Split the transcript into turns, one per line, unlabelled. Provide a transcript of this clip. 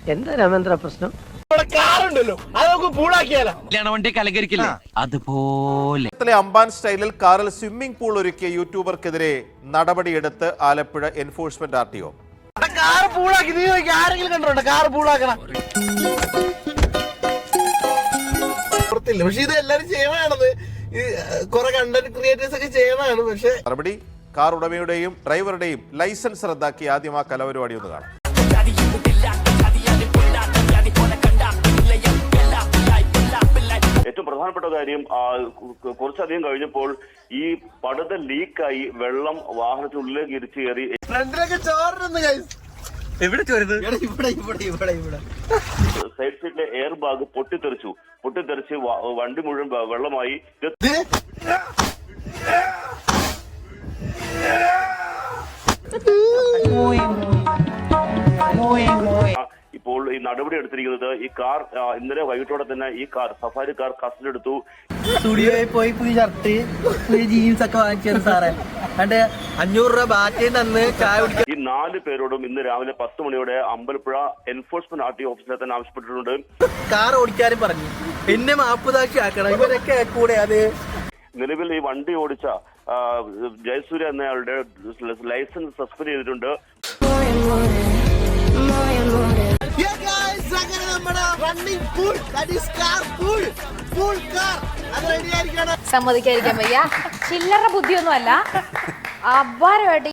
എന്താ രാമേന്ദ്ര പ്രശ്നം?
അതുപോലെ അംബാൻ സ്റ്റൈലിൽ കാറിൽ സ്വിമ്മിംഗ് പൂൾ ഒരുക്കിയ യൂട്യൂബർക്കെതിരെ നടപടിയെടുത്ത് ആലപ്പുഴ എൻഫോഴ്സ്മെന്റ് RTO.
പക്ഷെ ഇത് എല്ലാരും ചെയ്യണത് കുറെ കണ്ടന്റ് ക്രിയേറ്റേഴ്സ് ഒക്കെ ചെയ്യണതാണ്. പക്ഷെ
നടപടി കാർ ഉടമയുടെയും ഡ്രൈവറുടെയും ലൈസൻസ് റദ്ദാക്കി ആദ്യം ആ കലപരിപാടി ഒന്ന് കാണാം.
ഏറ്റവും പ്രധാനപ്പെട്ട കാര്യം കുറച്ചധികം കഴിഞ്ഞപ്പോൾ ഈ പടുത ലീക്കായി വെള്ളം വാഹനത്തിനുള്ളിലേക്ക് ഇരിച്ചു കയറി.
ഫ്രണ്ടിലൊക്കെ ചോറുണ്ട്
സൈഡ് സീറ്റിലെ എയർ ബാഗ് പൊട്ടിത്തെറിച്ച് വണ്ടി മുഴുവൻ വെള്ളമായി. ഇപ്പോൾ ഈ നടപടി എടുത്തിരിക്കുന്നത് ഈ കാർ ഇന്നലെ വൈകിട്ടോടെ തന്നെ ഈ കാർ സഫാരി കാർ കസ്റ്റഡി എടുത്തു.
സ്റ്റുഡിയോയിൽ പോയി പുതിയ ഷർട്ട് പുതിയ ജീൻസ് ഒക്കെ വാങ്ങിച്ചു സാറേ. 500 രൂപ ബാറ്റയും തന്ന് ചായ കുടിക്കാൻ.
ഈ 4 പേരോടും ഇന്ന് രാവിലെ 10 മണിയോടെ അമ്പലപ്പുഴ എൻഫോഴ്സ്മെന്റ് RTO ഓഫീസിലെ തന്നെ ആവശ്യപ്പെട്ടിട്ടുണ്ട്.
കാർ ഓടിക്കാനും പറഞ്ഞു എന്നെ മാപ്പുതാക്ഷി ആക്കണം. ഇവരൊക്കെ കൂടെ അത്
നിലവിൽ ഈ വണ്ടി ഓടിച്ച ജയസൂര്യ എന്നയാളുടെ ലൈസൻസ് സസ്പെൻഡ് ചെയ്തിട്ടുണ്ട്.
സമ്മതിക്കാതിരിക്കാൻ വയ്യ. ചില്ലറ ബുദ്ധിയൊന്നും അല്ല. അപാരമായിട്ട്